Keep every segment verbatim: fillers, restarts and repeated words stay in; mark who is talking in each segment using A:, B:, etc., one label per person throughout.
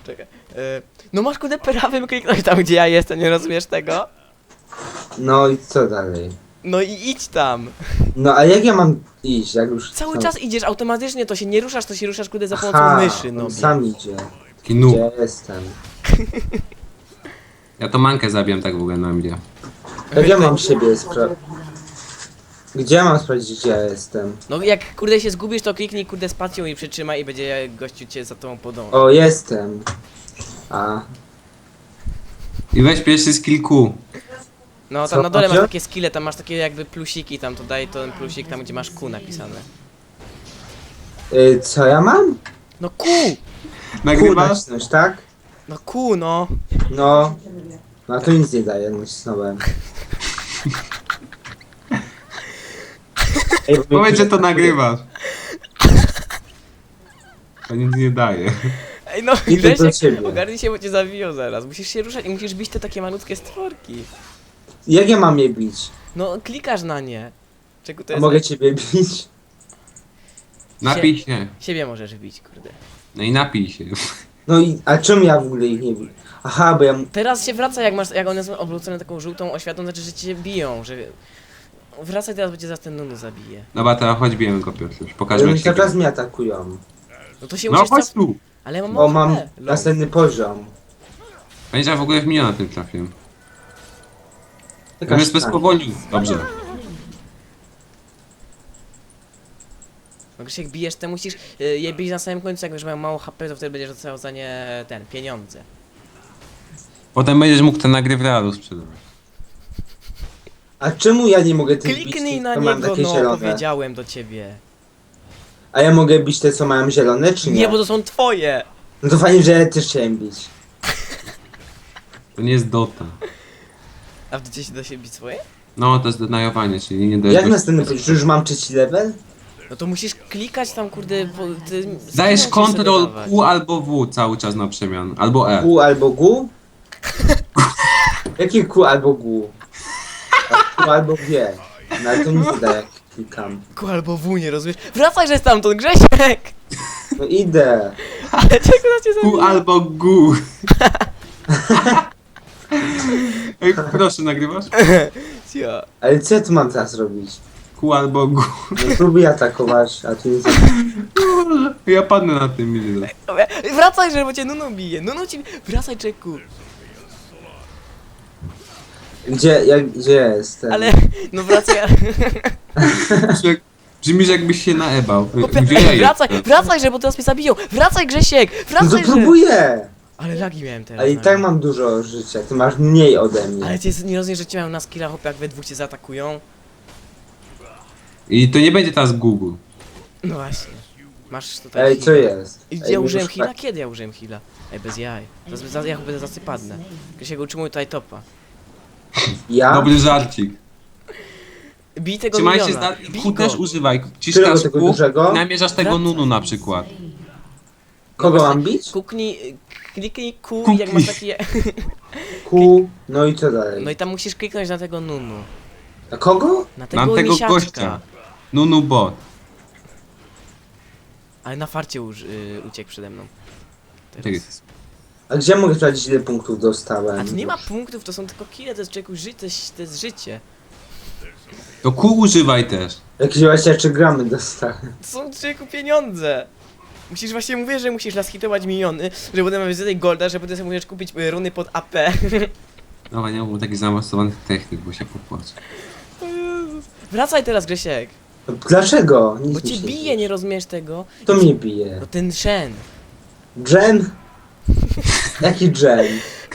A: Czekaj. E, no masz kurde prawym kliknąć tam, gdzie ja jestem, nie rozumiesz tego?
B: No i co dalej?
A: No i idź tam.
B: No a jak ja mam iść, jak już...
A: Cały
B: no.
A: czas idziesz automatycznie, to się nie ruszasz, to się ruszasz kurde za
B: Aha,
A: pomocą myszy, no.
B: on sam idzie.
C: Taki noob.
B: Gdzie jestem?
C: Ja to mankę zabijam tak w ogóle na mnie.
B: Jak ja mam siebie sprawdzić? Gdzie ja mam sprawdzić, gdzie ja jestem?
A: No jak kurde się zgubisz, to kliknij kurde spacją i przytrzymaj i będzie gościu cię za tobą podążał.
B: O, jestem. A,
C: I weź pierwszy skill Q.
A: No
B: Co,
A: tam na dole masz
B: macie?
A: takie skille, tam masz takie jakby plusiki, tam to daj ten plusik tam, gdzie masz Q napisane.
B: y, co ja mam?
A: No Q!
B: Kur
C: Nagrywasz?
B: nacisnąć, tak?
A: No Q no!
B: No. No to nic nie daje, nacisnąłem. Ej, bo
C: Powiedz, że to
B: mi-
C: nagrywasz. To nic nie daje.
A: Ej no
B: Idę do
A: Grzesiek,
B: ciebie.
A: ogarnij się, bo cię zawiją zaraz. Musisz się ruszać i musisz bić te takie malutkie stworki.
B: Jak ja mam je bić?
A: No klikasz na nie. Czego to
B: A
A: jest?
B: mogę ciebie bić?
C: Napij się.
A: Siebie możesz bić, kurde.
C: No i napij się.
B: No i, a czemu ja w ogóle ich nie biję? Aha, bo ja...
A: Teraz się wraca, jak masz, jak one są obrócone taką żółtą oświatą, znaczy, że cię biją, że... Wracaj teraz, bo cię zaraz ten Nunu zabije.
C: Dobra, teraz chodź bijemy go pierwszy.
B: Ale
C: Pokażmy
B: oni
C: jak
B: cały
C: się
B: czas
C: gra.
B: mnie atakują.
A: No to się
C: No
A: musisz
C: chodź
A: caf...
C: tu.
A: Ale ja mam
B: Bo mam
A: H P, lol.
B: następny poziom.
C: Będzie ja w ogóle w miliona tym trafiłem.
B: Taka
C: Zamiast bez
B: sztanga.
C: powoli. Dobrze.
A: No Grzesiek, bijesz, te musisz y, je bić na samym końcu, jak już mają mało H P, to wtedy będziesz dostał za nie ten, pieniądze.
C: Potem będziesz mógł te nagry w realu sprzedawać.
B: A czemu ja nie mogę tych bić?
A: Kliknij
B: tych,
A: na
B: co mają
A: niego,
B: takie
A: no,
B: zielone?
A: powiedziałem do ciebie.
B: A ja mogę bić te, co mają zielone, czy nie?
A: Nie, bo to są twoje!
B: No to fajnie, że ja też chciałem bić.
C: To nie jest Dota.
A: A w Docie się da się bić swoje?
C: No, to jest denajowanie, czyli nie dajesz...
B: Jak
C: gości-
B: następny poziom? Czy już mam trzeci level?
A: No to musisz klikać tam, kurde, po, ty,
C: Dajesz
A: skillem musisz sobie
C: Ctrl
A: dawać.
C: Q albo W cały czas na przemian. Albo E.
B: Q albo Gu? Jakie Q albo Gu? A Q albo G. No ale to nic nie daje, jak klikam.
A: Ku albo W, nie rozumiesz? Wracaj, że stamtąd, Grzesiek!
B: No idę.
A: Ale czego na cię
C: Q
A: zabija?
C: albo Gu. Ej, proszę, nagrywasz?
A: Ja.
B: Ale co ja tu mam teraz robić?
C: Q albo Gu.
B: No próbuję atakować, a tu nic nie...
C: Ja padnę na tym milion.
A: Wracaj, że bo cię Nunu bije. Nunu ci... Wracaj, czeku.
B: Gdzie, jak, gdzie jestem?
A: Ale... No wracaj, ale...
C: Brzmisz jakbyś się naebał.
A: Chłopie,
C: Gdzie ja
A: wracaj,
C: jestem?
A: wracaj, że bo teraz mnie zabiją. Wracaj, Grzesiek!
B: No to
A: Wracaj, że...
B: próbuję!
A: Ale lagi miałem teraz.
B: Ale i
A: na
B: tak
A: nim.
B: mam dużo życia, ty masz mniej ode mnie.
A: Ale ty nie rozumiesz, że cię mają na skillach, chłopie, jak we dwóch cię zaatakują?
C: I to nie będzie teraz Google.
A: No właśnie. Masz tutaj
B: Ej, co jest?
A: I
B: Ej,
A: ja użyłem
B: już
A: heala?
B: tak-
A: Kiedy ja użyłem heala? Ej, bez jaj. Zaraz, zaraz ja będę zasypadnę. Grzesiek, utrzymuj tutaj topa.
B: Ja?
C: Dobry żarcik.
A: Bij tego
C: Trzymaj się
A: miliona.
C: z
A: Bij
C: Q
A: go.
C: też używaj.
B: Którego
C: Ciskasz
B: tego
C: Q
B: dużego?
C: i namierzasz tego
A: Wracaj.
C: Nunu na przykład.
B: Kogo
A: No
B: mam
A: właśnie,
B: bić?
A: Kuknij, kliknij Q i
C: Kuknij.
A: jak masz taki...
B: Q, no i co dalej?
A: No i tam musisz kliknąć na tego Nunu.
B: A kogo?
A: Na tego,
C: Mam tego
A: misiaczka.
C: gościa. Nunu bot.
A: Ale na farcie uż, y, uciekł przede mną.
C: Tak
A: Teraz.
C: jest.
B: A gdzie mogę sprawdzić, ile punktów dostałem?
A: A tu nie ma punktów, to są tylko kile, to jest człowieku ży, to, jest, to jest życie.
C: To Q używaj też.
B: Jakieś właśnie trzy gramy dostałem.
A: To są człowieku pieniądze. Musisz właśnie mówić, że musisz naskitować miliony, że potem mamy więcej golda, że potem sobie możesz kupić y, runy pod A P.
C: No nie było takich zaawansowanych technik, bo się popłaczę.
A: O Jezus. Wracaj teraz, Grzesiek.
B: No, dlaczego? Nic
A: Bo
B: mi
A: cię
B: się
A: bije,
B: dzieje.
A: nie rozumiesz tego?
B: Kto mnie bije?
A: No ten Shen.
B: Dżem? Jaki dżem?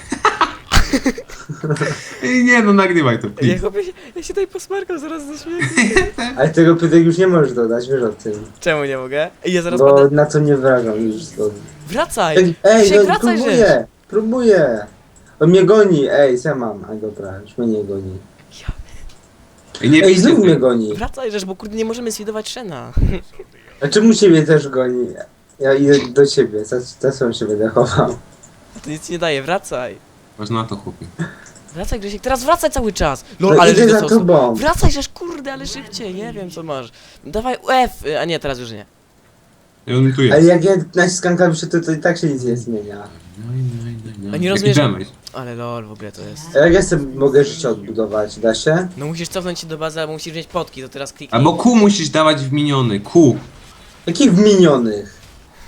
C: Ej, nie no, nagrywaj to.
A: Ja,
C: please.
A: chłopie, się- ja się tutaj posmarkam zaraz ze śmiechu.
B: Ale tego pytań już nie możesz dodać, wiesz o tym.
A: Czemu nie mogę? Ej, ja zaraz
B: Bo
A: będę...
B: na co nie wrażam już to.
A: Wracaj!
B: Ej, ej
A: Grzesiek,
B: no
A: wracaj, że...
B: próbuję! Próbuję! On mnie goni, ej, co ja mam? A dobra, już mnie nie goni.
C: Ej, nie
B: Ej,
C: bijcie
B: znów mnie
C: tego.
B: goni!
A: Wracaj, żeż, bo kurde nie możemy sfidować Shena.
B: A czemu ciebie też goni? Ja idę do ciebie, za, za co się będę chował?
A: To nic nie daje, wracaj.
C: Masz na to, chłopie.
A: Wracaj, Grzesiek, teraz wracaj cały czas. Lol,
B: No
A: ale
B: idę
A: żeś
B: za
A: dostał-
B: tobą!
A: Wracaj, żeż, kurde, ale szybciej, nie wiem co masz. Dawaj F, a nie, teraz już nie.
C: I on tu
B: Ale
C: jest.
B: jak ja naciskam klawisze, to, to i tak się nic nie zmienia.
C: No i no i no i no.
A: A nie
C: Jaki
A: rozumiesz-
C: damage.
A: Ale lol, w ogóle to jest.
B: A jak ja sobie mogę życie odbudować? Da się?
A: No musisz cofnąć się do bazy, albo musisz wziąć potki, to teraz kliknij.
C: Albo Q musisz dawać w miniony. Q.
B: Jakich minionych?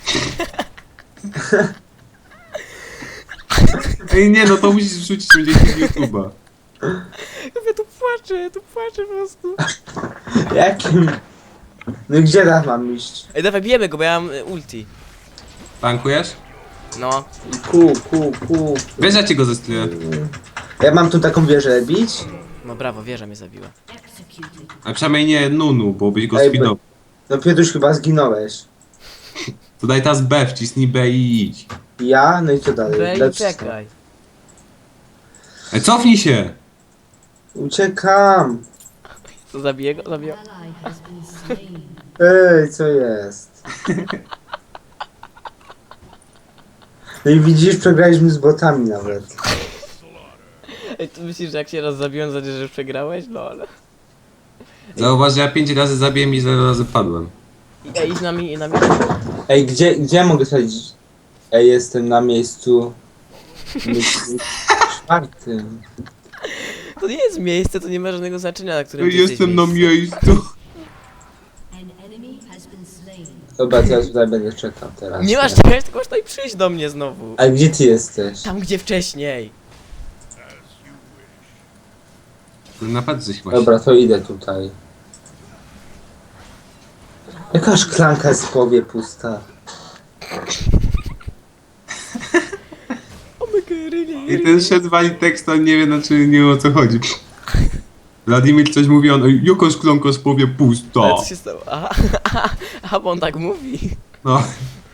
C: Ej nie no, to musisz wrzucić będzie z YouTube'a.
A: Ja tu płaczę, ja tu płaczę po prostu.
B: Jakim? No i gdzie teraz mam iść?
A: Ej, dawaj, bijemy go, bo ja mam y, ulti.
C: Tankujesz?
A: No.
B: Ku, ku, ku.
C: Wiesz, ja ci go zestuję.
B: Ja mam tu taką wieżę bić?
A: No brawo, wieża mnie zabiła.
C: A przynajmniej nie Nunu, bo byś go
B: Ej,
C: spinął.
B: No Piotruś, chyba zginąłeś.
C: To daj teraz B, wcisnij B i idź.
B: Ja? No i co dalej?
A: Wej,
B: Lecz-
A: czekaj.
C: Ej, cofnij się!
B: Uciekam!
A: To zabiję go? Zabiję.
D: Ally has been slain.
B: Ej, co jest? No i widzisz, przegraliśmy z botami nawet.
A: Ej, ty myślisz, że jak się raz zabiłem, to znaczy, że już przegrałeś? No ale...
C: Zauważ, że ja pięć razy zabiłem i zero razy padłem.
A: Ej, idź na mi, na mi.
B: Ej, gdzie, gdzie ja mogę sadzić? Ej, jestem na miejscu... miejscu czwartym.
A: To nie jest miejsce, to nie ma żadnego znaczenia, na którym ty jesteś
C: Jestem na
A: miejscu.
C: miejscu.
D: An enemy has been slain.
B: Dobra, to ja tutaj będę czekał teraz.
A: Nie masz czekać, tylko masz tutaj przyjść do mnie znowu.
B: A gdzie ty jesteś?
A: Tam, gdzie wcześniej.
C: Napad coś właśnie.
B: Dobra, to idę tutaj. Jaka szklanka jest w połowie pusta?
A: O my god, really,
C: I ten szedł wali tekst, on nie wie, znaczy nie wiem o co chodzi. Wladimir coś mówi, on "Ej, jaka szklanka z powie
A: Ale
C: pusta.
A: co się stało? Aha, aha, aha, bo on tak mówi.
C: No.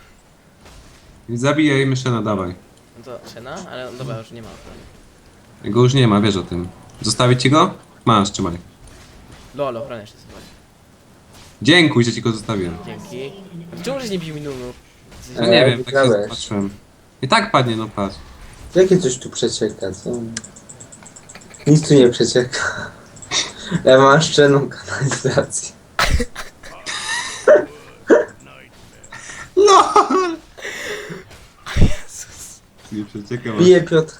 C: I zabijaj myszena, dawaj.
A: No to Szena? Ale on, dobra, już nie ma ochrony.
C: Go już nie ma, wiesz o tym. Zostawić ci go? Masz, trzymaj.
A: Lol, ochronę jeszcze sobie.
C: Dziękuję, że ci go zostawiłem.
A: Dzięki. Czemu żeś nie bił mi Nunu?
C: No
B: Eee,
C: nie wiem, tak się
B: wygrałeś.
C: zobaczyłem. I tak padnie, no patrz.
B: Jakie coś tu przecieka, co? Nic tu nie przecieka. Ja mam szczelną kanalizację.
C: No! Nie przeciekam.
B: Bije Piotrka.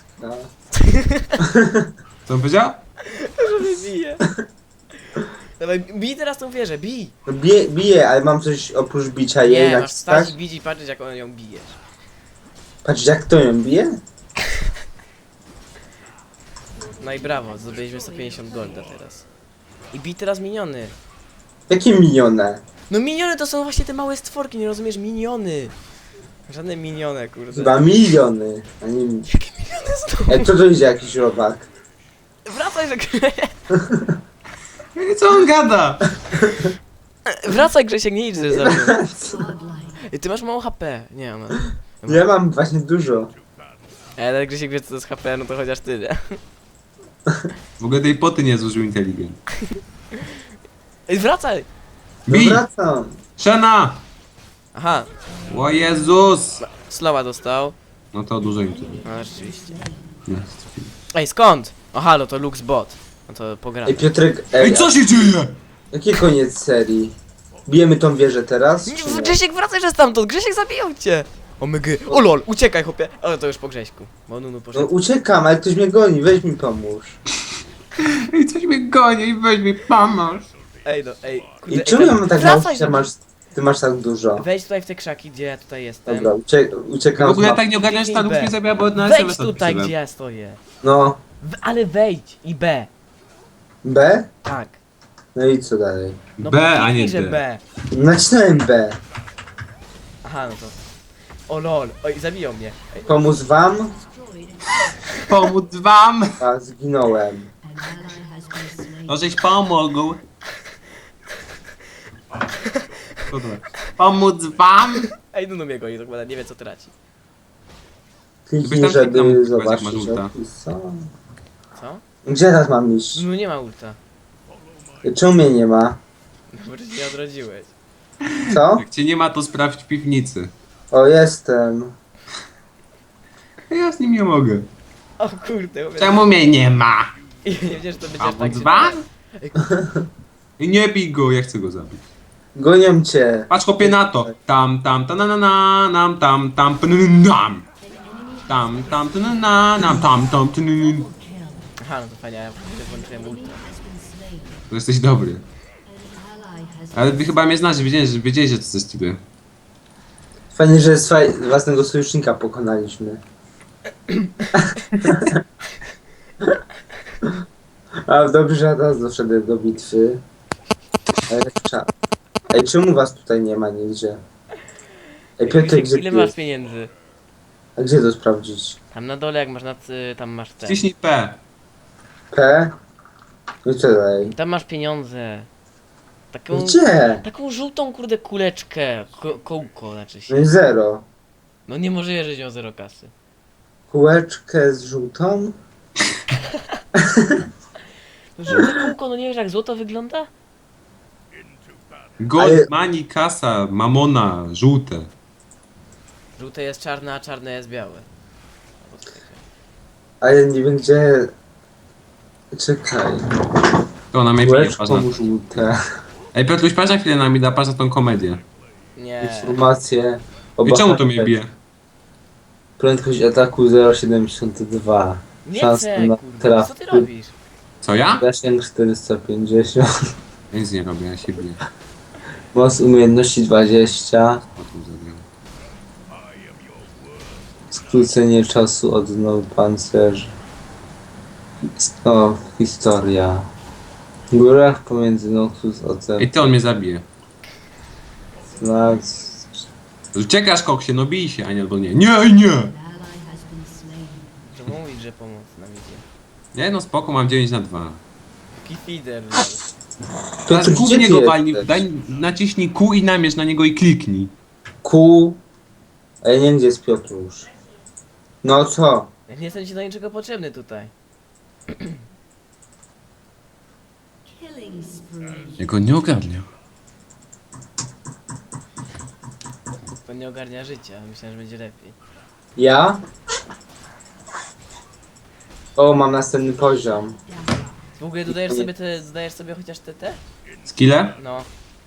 C: Co on powiedział?
A: Że mnie bije. Dawaj, bij teraz tą wieżę, bij!
B: No bije, bije, ale mam coś oprócz bicia jej
A: Nie, masz stać
B: naciskać.
A: i bić i patrzeć jak on ją bijesz.
B: Patrz, jak to ją bije?
A: No i brawo, zdobyliśmy sto pięćdziesiąt golda teraz. I bij teraz miniony.
B: Jakie minione?
A: No miniony to są właśnie te małe stworki, nie rozumiesz? Miniony! Żadne minione, kurde.
B: Chyba miliony. A nie...
A: Jakie miniony znowu?
B: Ej, co to idzie jakiś robak?
A: Wracaj, że grę.
C: Ej, co on gada?
A: Wracaj, Grzesiek, nie idź ze mną.
D: Godlike.
A: Ej, ty masz mało H P. Nie mam.
B: Ja mam właśnie dużo.
A: Ej, ale Grzesiek wie co to jest H P, no to chociaż ty, nie?
C: W ogóle tej poty nie zużył inteligent.
A: Ej, wracaj!
B: No
C: Bij!
B: wracam.
C: Szena!
A: Aha,
C: O Jezus!
A: slowa dostał.
C: No to dużo im tu.
A: No rzeczywiście.
C: Nie.
A: Ej, skąd? O halo, to Lux Bot. No to pogramy.
B: Ej, Piotrek, ej,
C: Ej, co się dzieje?
B: jaki koniec serii? Bijemy tą wieżę teraz?
A: Nie,
B: Czy nie?
A: Grzesiek, wracaj, że stamtąd! Grzesiek zabiją cię! O mygy. O lol, uciekaj chłopie! O, to już po Grześku. Bo Nunu
B: No
A: poszedł.
B: uciekam, ale ktoś mnie goni, weź mi pomóż.
C: Ej, coś mnie goni i weź mi pomóż.
A: Ej no, ej, kurde,
B: I czemu
A: ej,
B: ja mam tak mało,
A: wracaj,
B: ty masz, ty masz tak dużo?
A: Wejdź tutaj w te krzaki, gdzie ja tutaj jestem.
B: Dobra, ucie, uciekam
C: W ogóle
B: z mapy.
C: tak nie ogarniasz, ta lub
A: B.
C: mnie zabiła, bo na
A: Wejdź
C: S M S
A: tutaj,
C: odpisałem.
A: gdzie ja stoję.
B: No,
A: W, ale wejdź i B.
B: B?
A: Tak.
B: No i co dalej?
A: No
C: B, a
A: kliknij,
C: nie
A: że
C: D.
A: B.
B: Nacisnąłem B.
A: Aha, no to. O lol, oj, zabiją mnie. Ej,
B: Pomóc wam?
D: Destroyed.
C: Pomóc wam!
B: A, zginąłem.
D: An ally has been slain.
C: No żeś pomógł. Co to? Pomóc wam!
A: ej Nunu mnie goni, to chyba nie wie co traci.
B: Kliknij,
C: tam kliknął,
B: żeby
C: jak masz
B: zobaczyć
C: ulta.
B: opis. O.
A: Co?
B: Gdzie teraz mam iść?
A: Nunu nie ma ulta.
B: Czemu mnie nie ma?
A: Bo ty się nie odrodziłeś.
B: Co?
C: Jak cię nie ma, to sprawdź w piwnicy.
B: O, jestem.
C: Ja z nim nie mogę.
A: O kurde, mówię.
C: Czemu mnie nie ma?
A: I nie wiedziałem, że to będzie aż tak
C: Pomóc
A: się...
C: wam?
A: Ej, kurde.
C: I nie bij go, ja chcę go zabić.
B: Gonią cię.
C: Patrz chłopie na to. Tam, tam, ta na na na, nam, tam, tam, nam. Tam, tam, ta na na, nam, tam, tam, ta na na.
A: Aha, no to fajnie, ja włączyłem ultra.
C: To jesteś dobry.
D: An ally has
C: Ale wy chyba mnie znacie, wiedzieli, że, wiedzieli, że to ze stylu.
B: Fajnie, że swaj, własnego sojusznika pokonaliśmy. A dobrze, że ja teraz doszedłem do bitwy. Ale cza- Ej, czemu was tutaj nie ma nigdzie? Ej, Piotr, gdzie
A: Ile
B: ty
A: masz
B: jest?
A: pieniędzy?
B: A gdzie to sprawdzić?
A: Tam na dole, jak masz nad, y, tam masz ten.
C: Wciśnij P.
B: P? No i co dalej?
A: Tam masz pieniądze. Taką,
B: Gdzie?
A: taką żółtą kurde kuleczkę. Ko kołko znaczy
B: No
A: się.
B: i zero.
A: No nie może że miał zero kasy.
B: Kółeczkę z żółtą?
A: No żółte kółko, no nie wiesz jak złoto wygląda?
C: Gold,
B: Ale-
C: money, kasa, mamona, żółte.
A: Żółte jest czarne, a czarne jest białe. Albo coś takiego.
B: A ja nie wiem gdzie... Czekaj.
C: To ona mnie bije, patrz na
B: Kółeczką żółte.
C: Ej Piotruś, patrz na chwilę na mi da, patrz na tą komedię.
A: Nie.
B: Informacje o
C: I czemu to mnie
B: bohaterach.
C: bije?
B: Prędkość ataku zero przecinek siedemdziesiąt dwa.
A: Nie
B: Szansa
A: chcę,
B: na
A: kurde. Co ty
B: trafy.
A: robisz?
C: Co ja?
B: Zasięg czterysta pięćdziesiąt.
C: Ja nic nie robię, ja się biję.
B: Moc umiejętności dwadzieścia.
C: O tym zabiłem.
B: Skrócenie czasu od nowy pancerz. O, historia. W górach pomiędzy Noxus a
C: Ej ty, on mnie zabije.
B: Znak.
C: Uciekasz koksie, no bij się, a nie albo nie. Nie, ej, nie!
D: an ally has been slain.
A: Że mówić, że pomoc nam idzie.
C: Nie no spoko, mam dziewięć na dwa.
A: Taki feeder.
C: Teraz
B: Piotr,
C: Q w
B: gdzie
C: niego
B: ty
C: walnij,
B: jesteś?
C: daj, naciśnij Q i namierz na niego i kliknij.
B: Ku. A ja nie wiem gdzie jest Piotrusz. No co?
A: Ja nie jestem ci do niczego potrzebny tutaj.
D: Killing spree.
C: Ja go nie ogarnia.
A: To nie ogarnia życia. Myślałem, że będzie lepiej.
B: Ja? O, mam następny poziom.
A: W ogóle dodajesz sobie te, dodajesz sobie chociaż te te?
C: Skille?
A: No.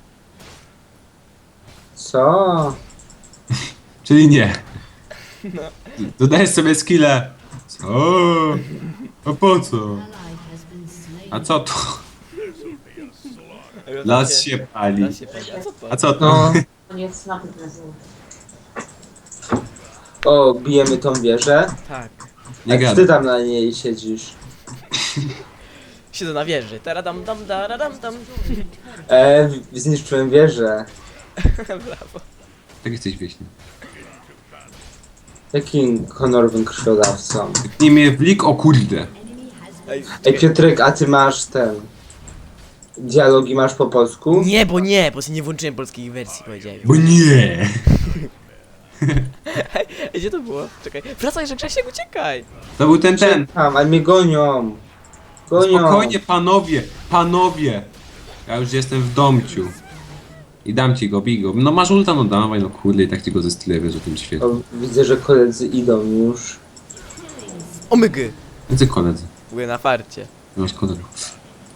B: Co?
C: Czyli nie.
A: No.
C: Dodajesz sobie skille. Co? A po co?
D: Ally has been slain.
C: A co to? Las się pali.
A: Las się pali. A co to?
C: A co to?
B: No.
E: Koniec na prezentu.
B: O, bijemy tą wieżę.
A: Tak.
C: Nie
B: Jak ty
C: gadaj.
B: tam na niej siedzisz?
A: Siedzę na wieży. Taradam dam daradam dam.
B: E, w- zniszczyłem wieżę.
A: Brawo.
C: Tak jesteś wieśny.
B: Jakim honorowym krwiodawcą?
C: Nie mnie w lik, o kurde.
D: Enemy has been
A: Ej,
B: Ej, Piotrek, a ty masz ten... Dialogi masz po polsku?
A: Nie, bo nie, bo sobie nie włączyłem polskiej wersji, powiedziałem.
C: Bo nie.
A: Ej, gdzie to było? Czekaj. Wracaj, że Grzesiek, uciekaj!
C: To był ten, ten.
B: Tam, ale mnie gonią. Gonią.
C: Spokojnie panowie, panowie. Ja już jestem w domciu. I dam ci go, bij go. No masz ulta, no dawaj, no kurde, i tak ci go ze style wiesz o tym świecie.
B: O, widzę, że koledzy idą już.
A: Omygy!
C: Jacy koledzy?
A: Były na farcie.
C: Nie masz kolegów.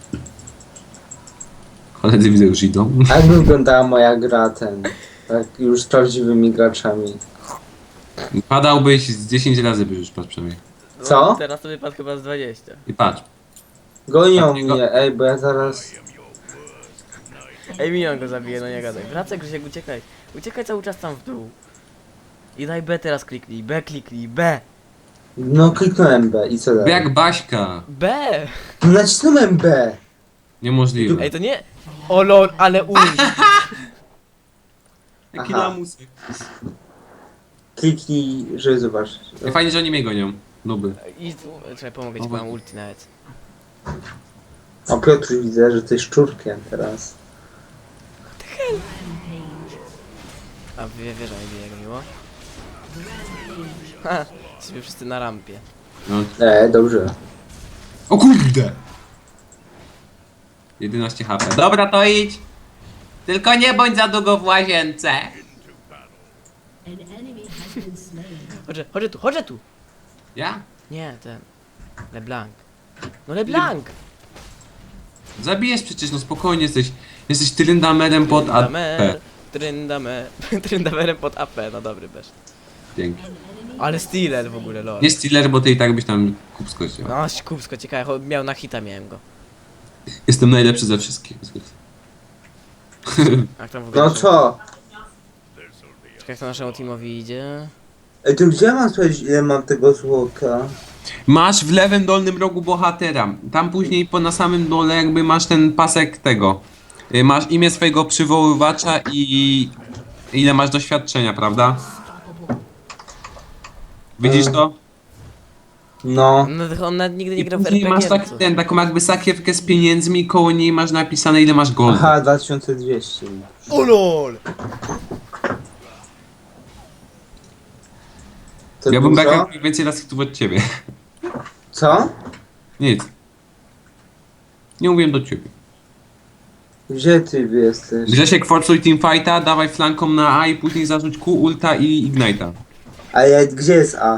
C: Koledzy widzę już idą.
B: A jak wyglądała moja gra ten? Tak, już z prawdziwymi graczami.
C: Padałbyś z dziesięć razy, by już patrz przynajmniej.
A: No,
B: Co?
A: Teraz to wypadł chyba z dwadzieścia.
C: I patrz.
B: Gonią
C: Takiego-
B: mnie, ej, bo ja zaraz...
A: Ej, minion go zabije, no nie gadaj. Wracaj, Grzesiek, uciekaj. Uciekaj cały czas tam w dół. I daj B teraz kliknij, B kliknij, B!
B: No kliknąłem B i co dalej?
C: Jak Baśka.
A: B!
B: No nacisnąłem B!
C: Niemożliwe.
A: Ej, to nie... O lol, ale ul.
C: Jaki
B: Aha.
C: lamusek.
B: Kliknij, żeby zobaczyć.
C: Ej, Fajnie, że oni mnie gonią. Nuby.
A: I tu... Czekaj, pomogę ci, bo mam ulti nawet.
B: O, Piotr, widzę, że ty szczurkiem teraz.
A: A wie, wieża mi bije, jak miło. Ha, jesteśmy wszyscy na rampie.
C: No.
B: E, dobrze.
C: O kurde! jedenaście HP. Dobra, to idź. Tylko nie bądź za długo w łazience.
D: An enemy has been slain.
A: Chodź, chodź tu, chodź tu!
C: Ja?
A: Nie, ten... LeBlanc. No LeBlanc!
C: Zabijesz przecież, no spokojnie jesteś. Jesteś Tryndamerem pod A
A: Tryndamer,
C: P.
A: Tryndamer, Tryndamerem pod A P, no dobry bez.
C: Dzięki.
A: Ale Steeler w ogóle, lol.
C: Nie Steeler, bo ty i tak byś tam kupsko chciał.
A: No, kubsko, ciekawe, cho- miał na hita, miałem go.
C: Jestem najlepszy ze wszystkich.
A: Jak tam w ogóle
B: No
A: naszemu-
B: co?
A: Czekaj, jak to naszemu teamowi idzie.
B: Ej, to gdzie mam sprawdzić, ile mam tego złota?
C: Masz w lewym dolnym rogu bohatera. Tam później po na samym dole jakby masz ten pasek tego. Y, Masz imię swojego przywoływacza i ile masz doświadczenia, prawda? Widzisz to?
B: No.
A: No, on nawet nigdy nie
C: I
A: grał w
C: później
A: R P G.
C: masz tak,
A: no co?
C: ten, taką jakby sakiewkę z pieniędzmi i koło niej masz napisane ile masz golda.
B: Aha, dwa tysiące dwieście.
A: O lol!
B: To
C: Ja bym
B: dużo?
C: tak więcej raz hitów od ciebie.
B: Co?
C: Nic. Nie mówiłem do ciebie.
B: Gdzie ty jesteś?
C: Grzesiek, forsuj teamfighta, dawaj flanką na A i później zarzuć Q, ulta i ignite'a.
B: A ja, gdzie jest A?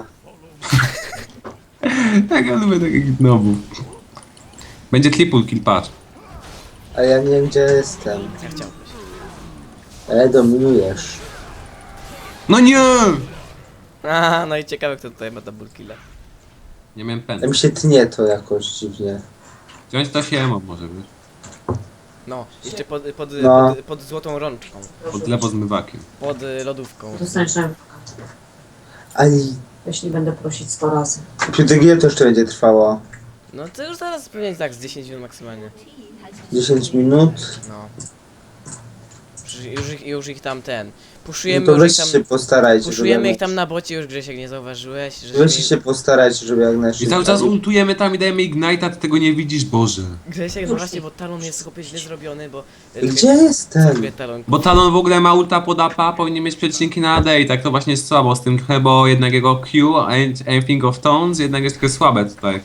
C: Tak, ja lubię takich nowów. Będzie triple kill, patrz.
B: A ja nie wiem, gdzie jestem.
A: Ja chciałbyś.
B: Ale dominujesz.
C: No nie!
A: Aha, no i ciekawe, kto tutaj ma double killa.
C: Nie miałem
B: A
C: pen.
B: mi się tnie to jakoś dziwnie.
C: Wziąć to się mam może, wiesz.
A: No, jeszcze pod, pod,
B: No.
A: pod, pod złotą rączką.
C: Pod lewo zmywakiem.
A: Pod y, lodówką.
E: Dostaniesz rękę,
B: Ale
E: jeśli będę prosić sto razy.
B: Piotr, ile to jeszcze będzie trwało?
A: No to już zaraz pewnie tak z dziesięć minut maksymalnie.
B: dziesięć minut?
A: No. Już, już, ich, już ich tam ten.
B: No
A: Puszujemy
B: to
A: już
B: weź
A: ich tam.
B: się postarajcie,
A: Puszujemy
B: żeby...
A: ich tam na bocie, już Grzesiek nie zauważyłeś, że
B: Weźcie się postarajcie, żeby jak
C: I
B: najszybciej...
C: cały czas ultujemy tam i dajemy ignite'a, ty tego nie widzisz, Boże.
A: Grzesiek, no właśnie, bo talon jest chłopie źle zrobiony, bo...
B: Gdzie jestem?
A: Zrobię talon.
C: Bo Talon w ogóle ma ulta pod A P, a powinien mieć przecinki na A D i tak to właśnie jest słabo z tym trochę, bo jednak jego Q, and Anything of Tones, jednak jest trochę słabe tutaj.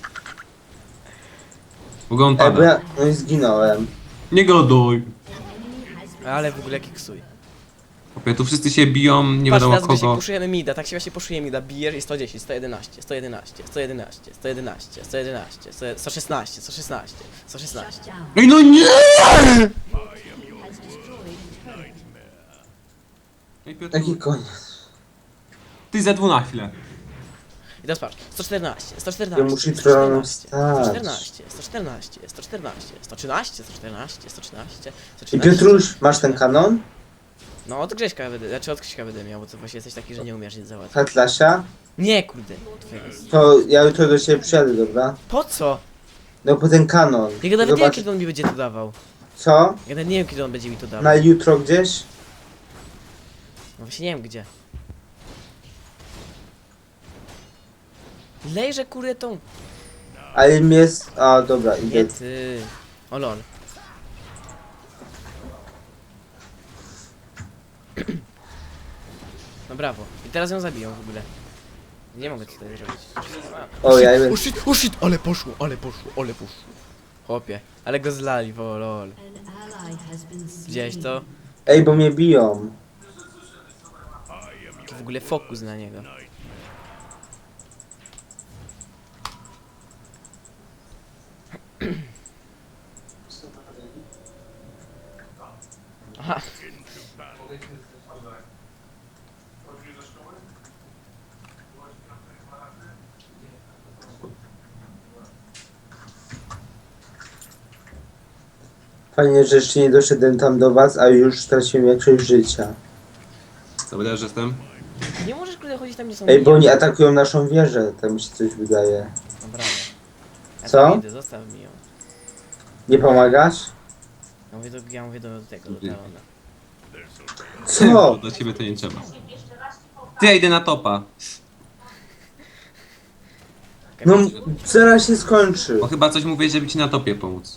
C: W ogóle on
B: Ej, bo
C: pada.
B: ja... No i zginąłem.
C: Nie goduj.
A: Ale w ogóle kiksuj.
C: Chłopie, tu wszyscy się biją, nie
A: Patrz,
C: wiadomo
A: teraz Grzesiek,
C: kogo.
A: puszujemy mida, tak się właśnie puszuje mida, bijesz i sto dziesięć, sto jedenaście, sto jedenaście, sto jedenaście, sto jedenaście, sto jedenaście, sto szesnaście, sto szesnaście, sto szesnaście.
D: Down.
C: Ej no nie!
D: Has destroyed turret.
C: Ej, Piotr,
B: Jaki koniec?
C: ty ze dwu na chwilę.
A: I teraz patrz, sto czternaście, sto
B: Ja
A: czternaście,
B: muszę
A: sto
B: trochę
A: czternaście,
B: wstać.
A: sto czternaście, sto czternaście, sto czternaście, sto trzynaście, sto czternaście, sto trzynaście, sto
B: I
A: trzynaście.
B: Piotruś, masz ten kanon?
A: No od Grześka będę, znaczy od Krzyśka będę miał, bo to właśnie jesteś taki, że nie umiesz nic załatwić.
B: Atlasia?
A: Nie, kurde, twoje jest.
B: To ja jutro do ciebie przyjadę, dobra?
A: Po co?
B: No po ten kanon.
A: Ja nawet nie wiem,
B: Zobacz...
A: kiedy on mi będzie to dawał.
B: Co?
A: Ja nawet nie wiem, kiedy on będzie mi to dawał.
B: Na jutro gdzieś?
A: No właśnie nie wiem gdzie. Lejże kurde tą.
B: Ale mi jest... A, dobra, idę.
A: Nie ty. O lol. No brawo. I teraz ją zabiją w ogóle. Nie mogę tutaj zrobić.
B: O, ja
A: O shit, o shit, ale poszło, ale poszło, ale poszło. Chłopie, ale go zlali, bo lol.
D: An ally has been slain.
A: Widziałeś to?
B: Ej, bo mnie biją.
A: To w ogóle fokus na niego. Aha.
B: Fajnie, że jeszcze nie doszedłem tam do was, a już straciłem większość życia.
C: Dobra, że jestem.
A: Nie możesz kurde chodzić tam, gdzie są
B: Ej, bo
A: miniony.
B: oni atakują naszą wieżę, tak mi się coś wydaje.
A: No brawo. Ja
B: Co?
A: tam idę, zostaw mi ją.
B: Nie pomagasz?
A: Ja mówię do, ja mówię do tego, do Talona.
B: Co?
C: Do ciebie to nie trzeba. Ty, ja idę na topa.
B: No, zaraz się skończy.
C: Bo chyba coś mówię, żeby ci na topie pomóc.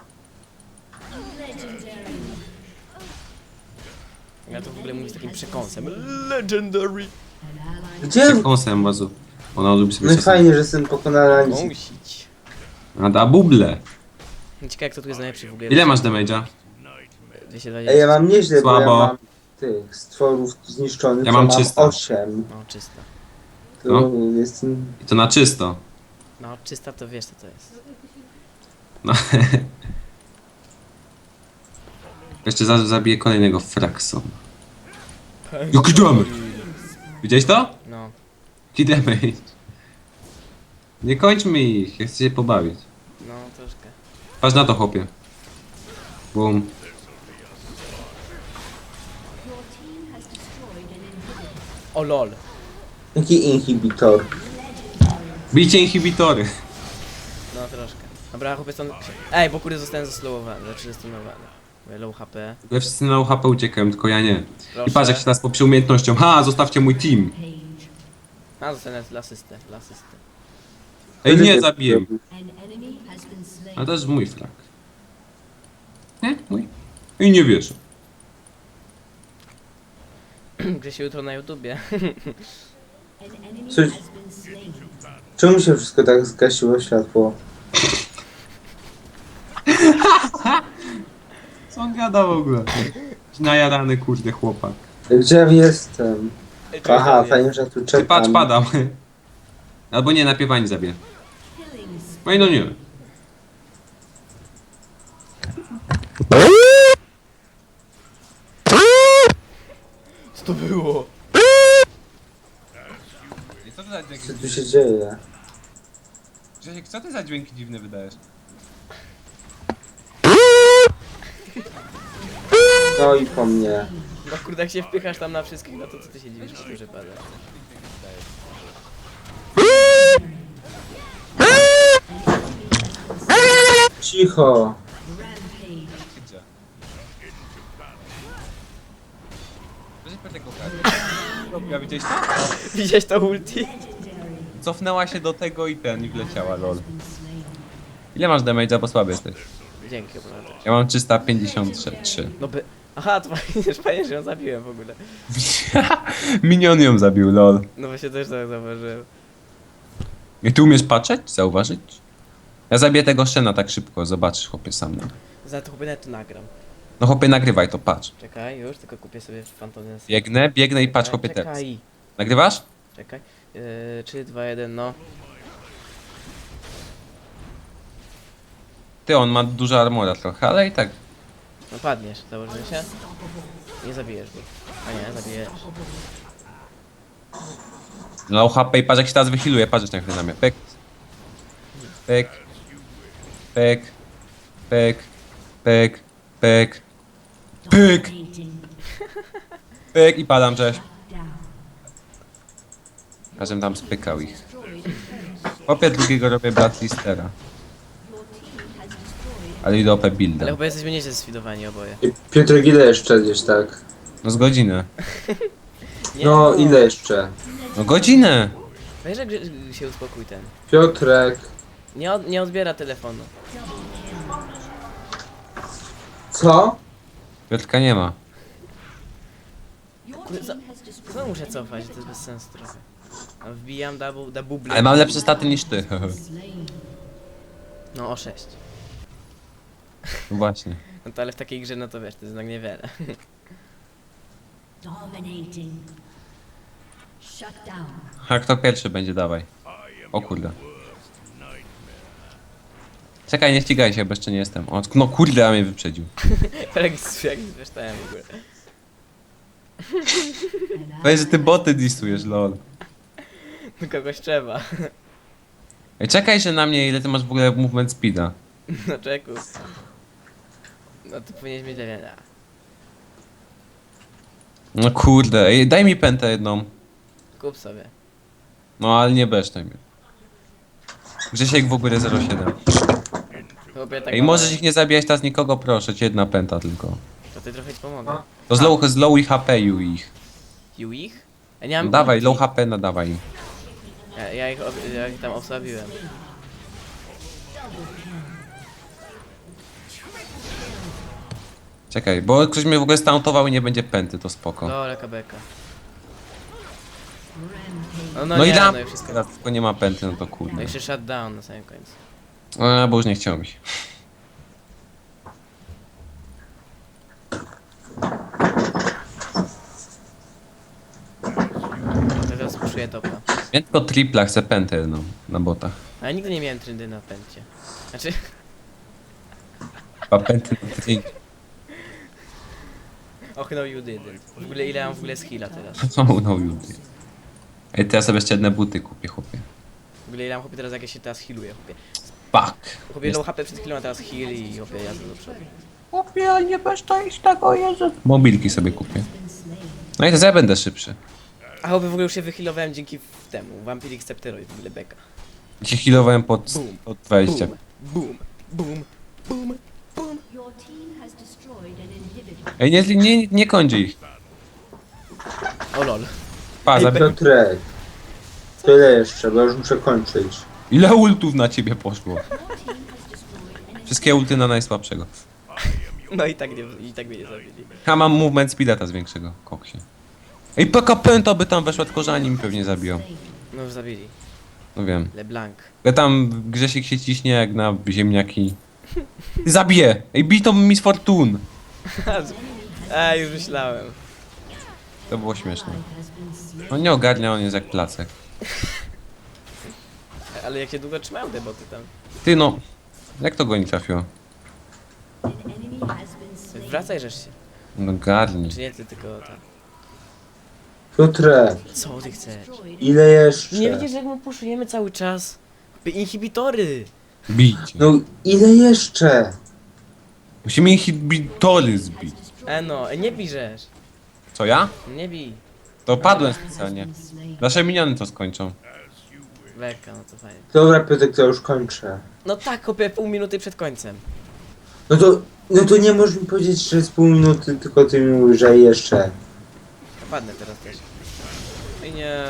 A: Ja to w ogóle mówię z takim przekąsem. Legendary!
D: An ally
B: Gdzie?
C: Kąsem, bazu. Ona lubi sobie
B: No i
C: czasem.
B: fajnie, że jestem pokonana.
A: Musić.
C: A da buble.
A: Ciekawe jak to tu jest najlepszy w ogóle.
C: Ile masz damage'a?
A: dwieście dwadzieścia.
B: Ej, ja mam nieźle, bo ja
C: Słabo.
B: mam tych stworów zniszczonych,
C: Ja
B: to
C: mam
B: mam
C: trzysta.
B: osiem.
A: No czysta.
B: To
C: No.
B: jestem...
C: I to na czysto.
A: No czysta to wiesz co to jest.
C: No. Jeszcze za, zabiję kolejnego Fraxon. Jaki damage! Widziałeś to?
A: No.
C: Jaki damage? Nie kończmy ich, ja chcę się pobawić.
A: No, troszkę.
C: Patrz na to, chłopie. Boom.
D: Your team has destroyed an inhibitor.
A: O lol.
B: Jaki inhibitor?
C: Bijcie inhibitory.
A: No, troszkę. Dobra, chłopie stąd... Ej, bo kurde zostałem zaslowowany, znaczy zastosowany. Low H P.
C: Ja wszyscy na H P uciekają, tylko ja nie.
A: Proszę.
C: I patrz jak się teraz poprzy umiejętnością. Ha, zostawcie mój team.
D: Page.
A: A, zostanę dla asystę, dla asysty.
C: Ej, nie, zabiję.
D: An enemy has been slain.
C: Ale to jest mój flag. Nie? Mój. I nie wierzę.
A: Grzesiu jutro na YouTubie.
D: An enemy
B: Coś-
D: has been slain.
B: Czemu się wszystko tak zgasiło światło?
C: Co on gada w ogóle? Najarany kurde chłopak.
B: Gdzie ja jestem?
A: Ej, czekaj,
B: Aha,
A: nie.
B: fajnie, że tu
C: Ty
B: czekam.
C: patrz, padam. Albo nie, napiewanie zabiję.
D: Killing spree.
C: No i no nie.
A: Co to było?
C: Co ty za dźwięki,
B: Co tu się dzieje?
C: Grzesiek, co ty za dźwięki dziwne wydajesz?
B: No i po mnie.
A: No kurde, jak się wpychasz tam na wszystkich, no to co ty się dziwisz, że pada?
B: Cicho.
D: Rampage.
C: Gdzie? Grzesiek, patrz jak go ja widziałeś to?
A: Widziałeś to ulti?
C: Cofnęła się do tego i ten, i wleciała, lol.
D: Been slain.
C: Ile masz damage'a, bo słaby jesteś?
A: Dzięki, obrażę.
C: Ja mam trzysta pięćdziesiąt trzy.
A: No by... Aha, to fajnie, fajnie, że ją zabiłem w ogóle.
C: Minion ją zabił, lol.
A: No właśnie też tak zauważyłem.
C: I ty umiesz patrzeć? Zauważyć? Ja zabiję tego Shena tak szybko, zobaczysz chłopie sam. No,
A: Za to chłopie nawet tu nagram.
C: no chłopie nagrywaj to, patrz.
A: Czekaj, już, tylko kupię sobie Fantomnes.
C: Biegnę, biegnę i patrz chłopie teraz.
A: Czekaj,
C: Nagrywasz?
A: czekaj. Yy, trzy, dwa, jeden, no.
C: Ty, on ma dużo armora trochę, ale i tak.
A: No padniesz, założymy się. Nie zabijesz go. A nie, zabijesz.
C: Low H P i patrz jak się teraz wychiluje, patrz jak na mnie. Pyk. Pyk. Pyk. Pyk. Pyk. Pyk. Pyk.
D: Dominating.
C: Pyk i padam, cześć.
D: Down.
C: Każdym tam spykał ich.
D: Destroyed a turret.
C: Chłopie drugiego robię Blatistera.
D: Your team has destroyed.
C: Ale idę O P
A: Ale
C: builda.
A: chyba jesteśmy nieźle sfidowani oboje.
B: I Piotr, ile jeszcze gdzieś tak?
C: No z godzinę.
A: Nie,
B: No, ile jeszcze?
C: No godzinę!
A: Weź, że Grzy- się uspokój ten.
B: Piotrek,
A: Nie, od, nie odbiera telefonu.
B: co?
C: Piotrka nie ma.
D: Your
A: Kurde, za-
D: team has destroyed.
A: Co muszę cofać, to jest bez sensu trochę. A wbijam double, double
C: Ale mam lepsze staty niż ty.
D: Slain.
A: No o sześć.
C: No właśnie.
A: No to ale w takiej grze, no to wiesz, to jest jednak niewiele.
D: Dominating. Shut down.
C: A kto pierwszy będzie, dawaj. O kurde. Czekaj, nie ścigaj się, bo jeszcze nie jestem. O, no kurde, a mnie wyprzedził.
A: Jak jak zreształem w ogóle.
C: Weź, że ty boty disujesz, lol.
A: No kogoś trzeba.
C: Ej, czekaj się na mnie, ile ty masz w ogóle movement speeda.
A: No czeku. No to powinieneś mieć lewienia.
C: No kurde, ej, daj mi pętę jedną.
A: Kup sobie.
C: No ale nie besztaj mnie. Grzesiek w ogóle zero siedem.
A: Chłopie, tak
C: Ej,
A: mam-
C: możesz ich nie zabijać teraz nikogo, proszę, ci jedna pęta tylko.
A: To ty trochę ci pomogę.
C: To z low, z low i H P ju ich.
A: You ich? Ja nie mam
C: No dawaj,
A: ulti.
C: low H P nadawaj im.
A: Ja, ja, ich, ob- ja ich tam osłabiłem.
C: Czekaj, bo ktoś mnie w ogóle stuntował i nie będzie pęty, to spoko.
A: Dole kabeka.
D: Rampage.
A: No, no,
C: No
A: nie,
C: i dam.
A: no i wszystko.
C: Teraz tylko nie ma pęty, no to
A: No
C: kurde.
A: jeszcze shutdown na samym końcu.
C: A, bo już nie chciał mi się.
A: Teraz puszuję topa.
C: Ja tylko tripla, chcę pętę jedną na botach.
A: Ale nigdy nie miałem trendy na pęcie. Znaczy,
C: Dwa pęty na tydzień.
A: Och no you didn't. W ogóle ile mam w ogóle z heala teraz?
C: No, no, ludzie. Ej, teraz sobie jeszcze jedne buty kupię, chłopie.
A: W ogóle ile mam chłopie teraz jak ja się teraz healuję, chłopie.
C: Fuck.
A: Chłopie low H P przed chwilą, a teraz heal i chłopie jazdę do przodu.
C: Chłopie, ale nie bezcześć tego, Jezu. Mobilki sobie kupię. No i to ja będę szybszy.
A: A chłopie w ogóle już się wyhealowałem dzięki temu. Vampiric Scepteroid w ogóle beka.
C: Się healowałem pod,
A: Boom.
C: pod dwadzieścia.
A: Boom, boom, boom, boom.
D: Your team has destroyed an inhibitor.
C: Ej, nie, nie, nie kończy ich.
A: O lol.
C: Pa,
B: Ej,
C: zabi-
B: Piotrek. Tyle jeszcze, bo już muszę kończyć.
C: Ile ultów na ciebie poszło?
D: Your team has destroyed an
C: Wszystkie ulty na najsłabszego.
A: No i tak, nie, i tak mnie nie zabili.
C: Ja mam movement speeda z większego, koksie. Ej, P K Penta by tam weszła, tylko że ani mi pewnie zabiją.
A: No już zabili.
C: No wiem.
A: LeBlanc.
C: Ja tam Grzesik się ciśnie jak na ziemniaki. Zabiję! Ej, bij to Miss Fortune!
A: Ej, już myślałem.
C: To było śmieszne. On nie ogarnia, on jest jak placek.
A: Ale jak się długo trzymają te boty tam.
C: Ty no, jak to go nie trafiło?
D: enemy has been slain.
A: Wracaj żeż się.
C: No garni.
A: Czy nie ty, tylko tak.
B: Piotrek,
A: Co ty chcesz?
B: ile jeszcze?
A: Nie widzisz, jak my puszujemy cały czas? Inhibitory!
C: Bijcie.
B: No ile jeszcze?
C: Musimy inhibitory zbić.
A: E no, nie bijesz.
C: Co ja?
A: Nie bij.
C: To padłem specjalnie. Nasze miniony to skończą.
A: Beka, no to fajnie.
B: Dobra, Piotrek, to już kończę.
A: No tak, kopię pół minuty przed końcem.
B: No to, no to nie możesz mi powiedzieć, że z pół minuty, tylko ty mi mówisz, że jeszcze.
A: Padnę teraz też. Ej nie.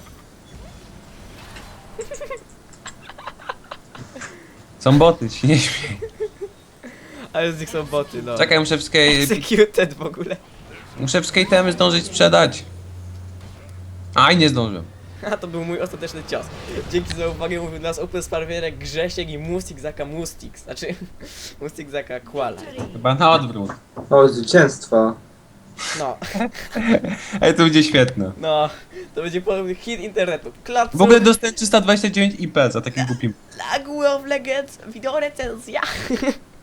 C: Są boty, ci nie śmiej.
A: Ale z nich są boty, no.
C: Czekaj, muszę wszystkie,
A: Executed w ogóle.
C: muszę wszystkie temy zdążyć sprzedać. Aj, nie zdążyłem.
A: A to był mój ostateczny cios. Dzięki za uwagę, mówił nas Open Sparwierek, Grzesiek i Mustik Zaka Mustix. Znaczy, Mustik Zaka Kuala.
C: Chyba na odwrót.
B: O, zwycięstwo.
A: No,
C: Ej, to będzie świetne.
A: no. To będzie podobny hit internetu. Klapsu,
C: W ogóle dostałem trzysta dwadzieścia dziewięć I P za takim głupim.
A: Lagu of Legends, wideorecenzja.